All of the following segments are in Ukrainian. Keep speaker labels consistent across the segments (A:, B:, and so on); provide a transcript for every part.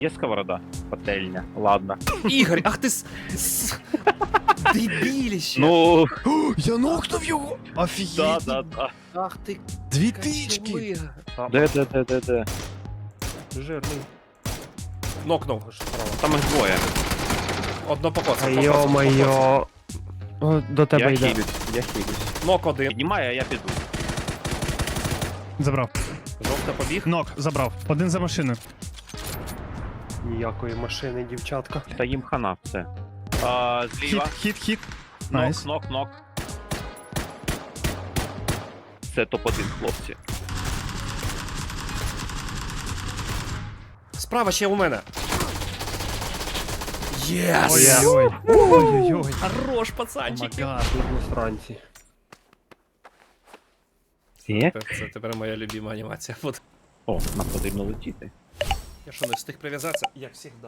A: Є сковорода? Пательня. Ладно.
B: Ігор, ах ти дебіліще.
A: Ну,
C: Я нокнув його!
A: да,
C: Офігеть!
A: да.
B: Ах ти
C: Дві тички!
B: качелига.
A: Де?
D: Жирний.
B: Нокнув.
A: Там їх двоє.
B: Одно покоцав.
D: Йо-моє. О, до
A: Я
D: тебе йде.
A: хилюсь.
B: Нок один.
A: Піднімає, а я піду.
C: Забрав.
B: Жовта побіг.
C: Нок, забрав. Один за машиною.
D: Ніякої машини, дівчатка.
A: Та їм хана, все. Зліва.
C: Хіт. Найс.
A: Нок. Це топ-1, хлопці.
B: Справа ще у мене. Єс!
C: Ой-ой-ой. Ой-ой-ой.
B: Хорош, пацанчики.
C: Омагад.
D: Сранці.
A: Є?
B: Це тепер моя любима анімація. От.
A: О, нам потрібно летіти.
B: Я що, не встиг прив'язатися? Як завжди.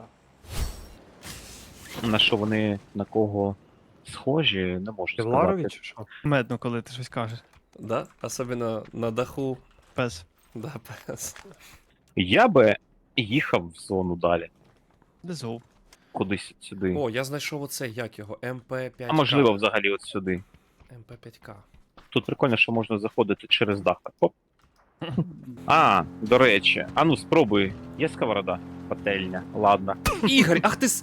A: На що вони, на кого схожі, не можу
D: Ти в
A: сказати.
D: Ларові чи що?
C: Медно, коли ти щось кажеш.
B: Да? Особливо на даху.
C: Пес.
B: Да, пес.
A: Я би їхав в зону далі.
C: Дезов.
A: Кудись сюди.
B: О, я знайшов оце, як його, МП5К.
A: А можливо, взагалі от сюди.
B: МП5К.
A: Тут прикольно, що можна заходити через дах. Так, оп. А, до речі. А ну спробуй. Є сковорода? Пательня. Ладно.
B: Ігор, ах ти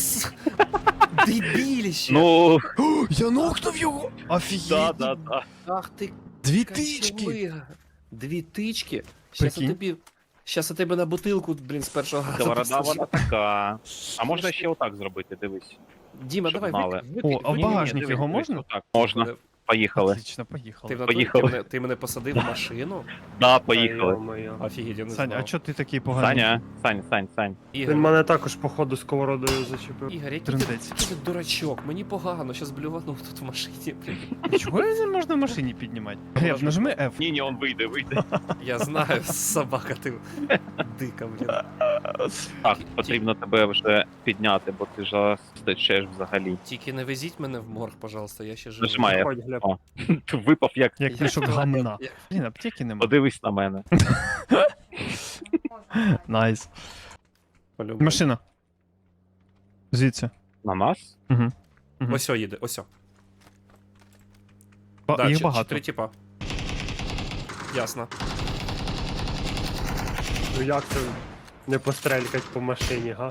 B: дебіліще.
A: Ну,
C: Я нокнув його! Офігеть!
A: да.
B: Ах ти
C: Дві тички!
B: качелига. Дві тички? Щас я тебе на бутилку, блін, з першого разу.
A: Сковорода
B: посажу.
A: вона така. А можна ще отак зробити, дивись.
B: Діма,
A: щоб
B: давай,
A: знали.
C: О, а в
A: Ні-ні-ні,
C: багажник
A: дивись,
C: його
A: дивись,
C: можна?
A: отак. Можна. Поїхали.
C: Отлично, поїхали.
B: Ти, в натурі-
A: Поїхали.
B: ти мене посадив в машину?
A: Да, поїхали.
D: Йо-моє.
B: Офігеть, я не
C: Сань,
B: знав.
C: а чо ти такий поганий?
A: Сань.
B: Ігор,
D: Він мене також, походу, сковородою зачепив.
B: Ігор, який
C: Трындець.
B: ти дурачок, мені погано, щас блюванув тут в машині, блін.
C: Чого не можна в машині піднімати? Глеб, нажми F.
A: Ні, он вийде.
B: Я знаю, собака ти дика, блін.
A: Так, потрібно тебе вже підняти, бо ти ж стечеш взагалі.
B: Тільки не везіть мене в морг, пожалуйста, я ще живий.
A: Нажимай.
D: Ходь, Глеб.
A: О. Ти випав як.
C: Як мішок гамна.
B: Я-
C: Блін, аптеки нема.
A: Подивись на мене.
C: Найс.
B: По-любому.
C: Машина. Звідси.
A: На нас?
C: Угу.
B: Осьо їде, осьо. Да,
C: Їх
B: чи-
C: багато.
B: 4 типа. Ясно.
D: Ну як це не пострелькать по машині, га?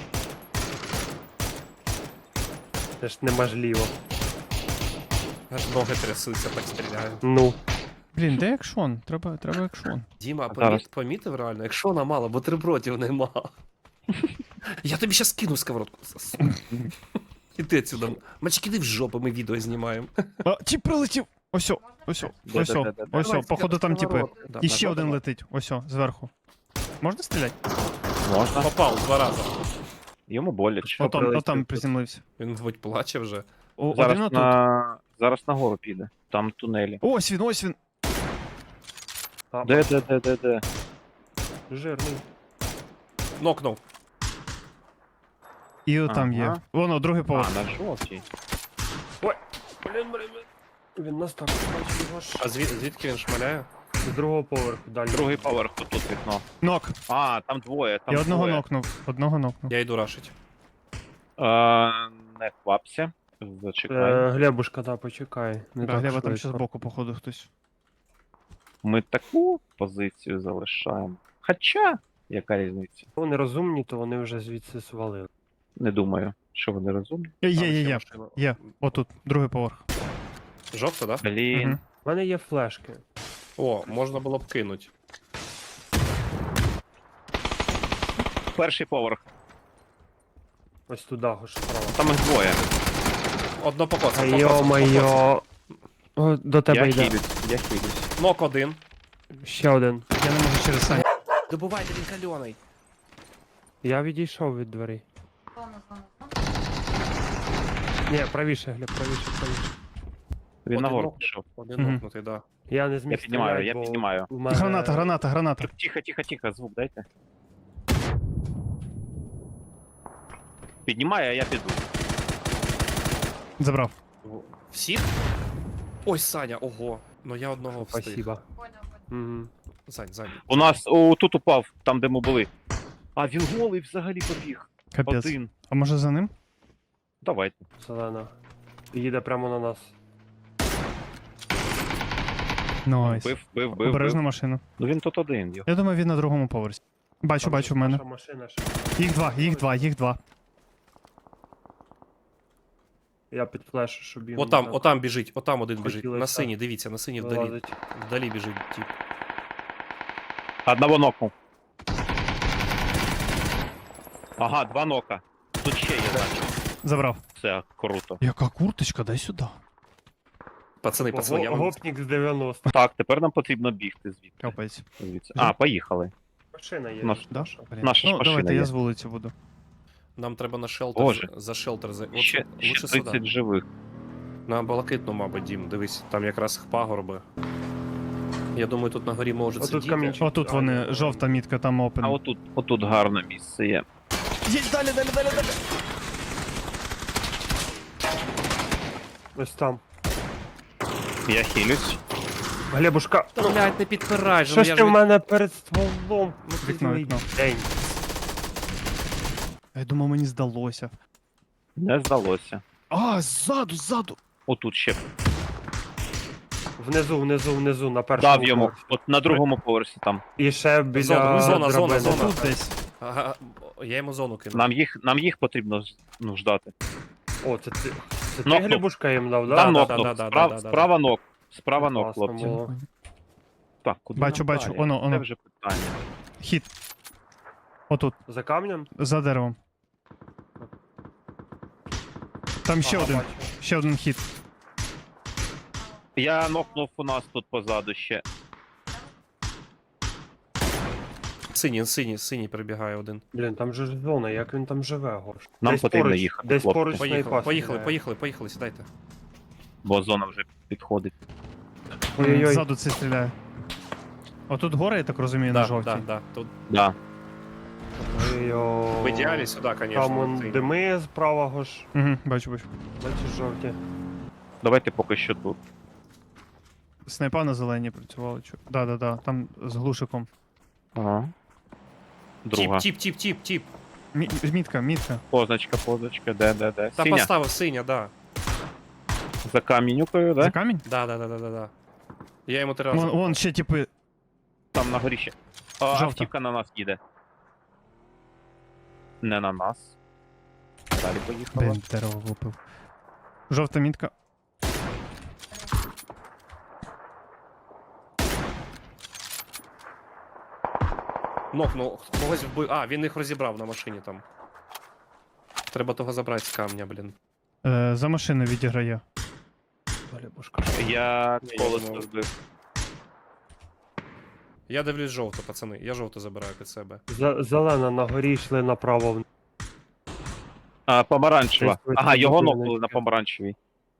D: Це ж неможливо.
B: Аж ноги трясуться, так стріляю.
D: Ну.
C: Блін, де екшон? Треба екшон.
B: Діма,
A: Зараз.
B: помітив реально, якщо вона мало, бутербродів нема. Я тобі щас кину сковородку. Іди отсюда. Мальчик, іди в жопу, ми відео знімаємо.
C: А, тіп прилетів! Осьо.
A: Де-де-де-де.
C: Осьо, походу там типи.
B: Да,
C: І
B: да,
C: ще
B: да,
C: один
B: да.
C: летить. Осьо, зверху. Можна стріляти?
A: Можна.
B: Попав 2 рази.
A: Йому боляче.
C: Отам
D: прилетів?
C: приземлився.
B: Він, мабуть, плаче вже.
C: Один
A: Зараз
C: отут.
A: зараз нагору піде. Там тунелі.
C: Ось він.
A: Де?
D: Жирний.
B: Нокнув.
C: І отам є.
A: Ага.
C: Воно, другий
A: А,
C: поверх.
A: на жовтій.
D: Блін. Він нас так бачить його ж.
B: А звідки він шмаляє?
D: З другого поверху далі.
A: Другий поверх, тут вікно.
C: Нок.
A: А, там двоє, там
C: Я одного
A: двоє.
C: нокнув.
B: Я йду рашить.
A: Не хвапся. Зачекай.
D: Глебушка, да, почекай. Не так
C: Глеба там
D: швидко.
C: ще збоку, походу, хтось.
A: Ми таку позицію залишаємо. Хоча, яка різниця?
D: Вони розумні, то вони вже звідси свалили.
A: Не думаю, що вони розумні.
C: Є. Є. Отут, другий поверх.
B: Жовта, да?
A: Блін.
C: Мгм.
D: У мене є флешки.
B: О, можна було б кинуть.
A: Перший поверх.
D: Ось туди, аж справа.
A: Там їх двоє.
B: Одно покоцав.
D: Йо-моє. О, до тебе
A: Я
D: йде.
A: хилюсь.
B: Нок один.
D: Ще один.
C: Я не можу через Саню.
B: Добувайте, він кальоний.
D: Я відійшов від дверей. Ні, правіше, Глеб, правіше.
A: Він
B: Один
A: нагору
B: ног.
A: пішов.
B: Один
C: Мгм.
B: нокнутий, да.
D: Я не зміг
A: Я піднімаю,
D: стріляти,
A: я
D: бо
A: піднімаю.
D: у мене-
C: Граната.
A: Тихо, звук дайте. Піднімаю, а я піду.
C: Забрав.
B: Всіх? Ой, Саня, ого. Ну я одного встиг.
D: Спасибо. Угу.
B: Сань.
A: У нас тут упав, там де ми були. А він голий взагалі побіг.
C: Капець.
A: Один.
C: А може за ним?
A: Давайте.
D: Зелена. Їде прямо на нас.
C: Найс.
A: Бив.
C: Обережна машина.
A: Ну він тут один.
C: Я думаю, він на другому поверсі. Бачу,
D: Там
C: бачу
D: же
C: в мене.
D: наша машина ще.
C: Їх два.
D: Я під флешу, щоб він...
B: Отам,
D: так
B: отам біжить, отам один біжить.
D: Хотілося.
B: На синій, дивіться, на синій вдалі.
D: вилазить.
B: Вдалі біжить тип.
A: Одного нокнув. Ага, 2 нока. Тут ще є, значить.
C: Забрав.
A: Це круто.
C: Яка курточка, дай сюди.
B: Пацани, я вам...
D: Гопнік з 90.
A: Так, тепер нам потрібно бігти звідти.
C: Капець.
A: Звідси. А, поїхали.
D: Машина є.
A: Наш-
C: Да?
D: наша.
C: Блін.
A: Наша ж
C: Ну,
A: машина
C: давайте,
A: є.
C: я з вулиці буду.
B: Нам треба на шелтер,
A: Боже.
B: за шелтер.
A: Ще
B: Лучше
A: 30
B: сюди.
A: живих.
B: На Балакитну, мабуть, Дім, дивись, там якраз пагорби. Я думаю, тут на горі можуть
D: Отут
B: сидіти.
D: камінчик.
C: Отут вони, жовта мітка, там
A: А
C: опен.
A: отут гарне місце є.
C: Їдь далі.
D: Ось там.
A: Я хилюсь.
D: Глебушка,
B: Та, блядь, не підпирай же,
D: що
B: ну
D: ж
B: я
D: ти
B: ж...
D: в мене перед стволом? Ну,
C: Вікно,
D: ти
C: вікно.
D: день.
C: Я думав, мені здалося.
A: Не здалося.
C: А, ззаду.
A: Отут ще
D: Внизу, на першому.
A: дав йому.
D: поверсі.
A: От на другому поверсі там.
D: І ще біля
B: Зона.
D: драбини.
C: Тут десь.
B: Ага, я йому зону кину.
A: Нам їх потрібно ждати.
D: О, це ти. Це ти
A: Нокнув.
D: Глебушка їм дав,
A: Там
D: да?
A: нокнув.
B: да.
A: Справа нок. Справа нок,
D: Класно
A: хлопці.
D: було.
A: Так, куди
C: Бачу,
A: нам
C: бачу.
A: далі?
C: Оно.
A: Це вже питання.
C: Хід. Отут,
D: За камнем?
C: за деревом. Там ще
D: Ага,
C: один.
D: бачу.
C: Ще один хід.
A: Я нокнув у нас тут позаду ще.
B: Синій прибігає один.
D: Блін, там же ж зона, як він там живе, Гош?
A: Нам
D: Десь
A: потрібно
D: поруч-
A: їхати,
D: Десь
A: хлопці.
D: поруч снайпа
B: Поїхали, сідайте.
A: Бо зона вже підходить.
D: Ой-ой-ой.
C: Ззаду це стріляє. Отут гора, я так розумію, на жовтій.
B: Да. Тут
A: Да.
D: Ой-ой.
B: в ідеалі сюди,
D: Там
B: звісно.
D: он дими справа, Гош.
C: Угу, бачу.
D: Бачиш жовті.
A: Давайте поки що тут.
C: Снайпа на зеленій працювали. Да. Там з глушиком.
A: Ага. Друга.
B: Тіп.
C: Мітка.
A: Позначка, де.
B: Та
A: Синя.
B: поставив синя, да.
A: За камінюкою,
C: За
A: да?
C: камінь?
B: Да. Я йому 3 рази.
C: Вон ще типи.
A: Там на горі ще.
C: Жовта.
A: Автівка на нас їде. Не на нас. Далі поїхала.
C: Блін, дерево випив. Жовта мітка.
B: Нокнув, когось вбив. А, він їх розібрав на машині там. Треба того забрати з камня, блін.
C: За машиною відіграє.
D: Глебушка.
A: Я
B: Ні, я
A: колесо
B: думав.
A: збив.
B: Я дивлюсь жовто, пацани. Я жовто забираю під себе.
D: Зелена на горі йшли направо.
A: Помаранчева.
D: Десь ви
A: Ага,
D: там
A: його
D: будиночки.
A: нокнули на помаранчевій.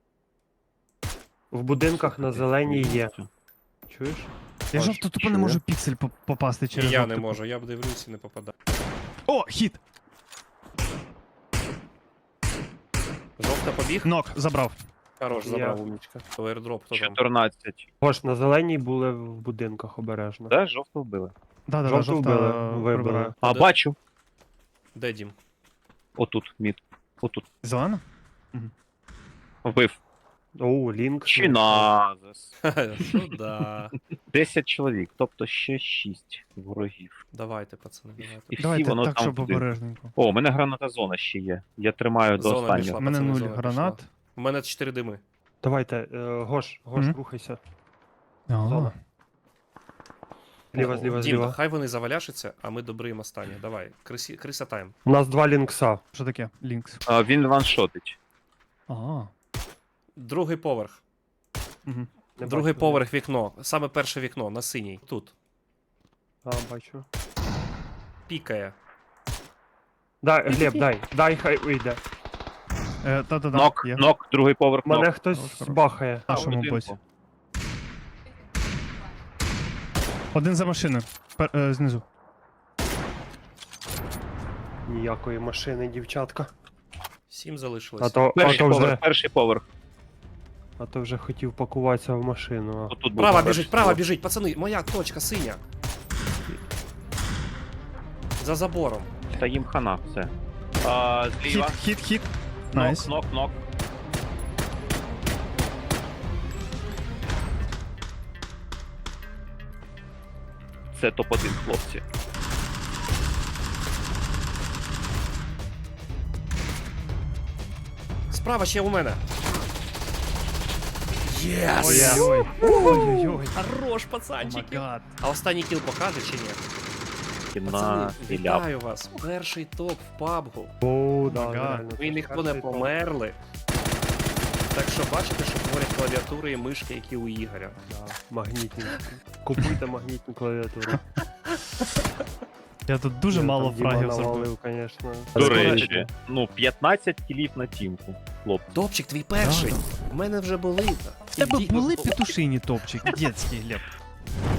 D: В будинках на зеленій є. Чуєш?
C: Я
A: Аж
C: жовто тупо
A: чую.
C: не можу піксель попасти
B: І
C: через
B: я
C: оптику.
B: не можу, я дивлюсь і не попадаю.
C: О, хід!
B: Жовта побіг.
C: Нок, забрав.
B: Хорош,
D: Я.
B: забрав умнічка. То airdrop, хто там?
A: 14.
D: Гош, на зеленій були в будинках обережно.
A: Да, жовто вбили.
C: Да,
D: Жовту
C: жовта
D: вбили,
C: прибирає.
D: вибили.
A: А,
B: Де?
A: бачу.
B: Де Дім?
A: Отут, мід. Отут.
C: Зелена?
A: Вбив.
D: Оу, лінк.
A: Чи назис.
B: Ну да.
A: 10 чоловік, тобто ще 6 ворогів.
B: Давайте, пацани, давайте.
A: І всі
C: Давайте
A: воно
C: так,
A: там
C: щоб
A: туди.
C: обережненько.
A: О, у мене граната зона ще є. Я тримаю до
B: Зона
A: останнього.
B: пішла.
C: У мене
B: пацани,
C: 0
B: зона
C: гранат.
B: У мене 4 дими.
D: Давайте, Гош,
C: Мгм.
D: рухайся.
C: Ага.
D: Зона. Зліва,
B: Дім,
D: зліва.
B: хай вони заваляшаться, а ми добриємо останні. Давай, криса тайм.
D: У нас 2 лінкса.
C: Що таке? Лінкс.
A: Він ваншотить.
C: Ага.
B: Другий поверх.
C: Угу.
D: Не
B: Другий
D: бачу.
B: поверх вікно. Саме перше вікно на синій. Тут.
D: А, бачу.
B: Пікає.
D: Дай, Глеб, дай, хай вийде.
C: Та-та-да.
A: Нок,
C: Є.
A: нок, другий поверх
D: Мене
A: нок.
D: хтось
C: Хорош.
D: бахає.
C: На
A: в
C: нашому
A: будинку.
C: боці. Один за машиною. Знизу.
D: Ніякої машини, дівчатка.
B: 7 залишилось.
A: Перший поверх.
D: А то вже хотів пакуватися в машину.
A: Отут був
B: Права
A: перший
B: біжить, права
A: поверх.
B: біжить, пацани, моя точка синя. За забором.
A: Та їм хана, все. Зліва.
C: Хіт.
A: Нок,
C: Найс.
A: нок. Це топ-1, хлопці.
B: Справа ще у мене. Єс!
C: Ой-ой-ой. Ой-ой-ой.
B: Хорош,
C: О
B: пацанчики.
C: май гад.
B: А останній кіл покаже чи ні?
A: Кіна,
B: Пацани,
A: стріляв.
B: вітаю вас. Перший топ в PUBG.
D: О, да,
C: Ага.
D: реально.
B: Ви ніхто не
D: Перший топ.
B: померли. Так що бачите, що творять клавіатури і мишки, які у Ігоря.
D: Да, магнітні. Купуйте магнітну клавіатуру.
C: Я тут дуже мало фрагів зробив.
D: зробив, звісно.
A: До речі, 15 кілів на тімку, хлопці.
B: Топчик, твій перший.
C: Да,
B: У мене вже були.
C: В тебе
B: Іди-
C: були петушині топчики, дітські, Глеб.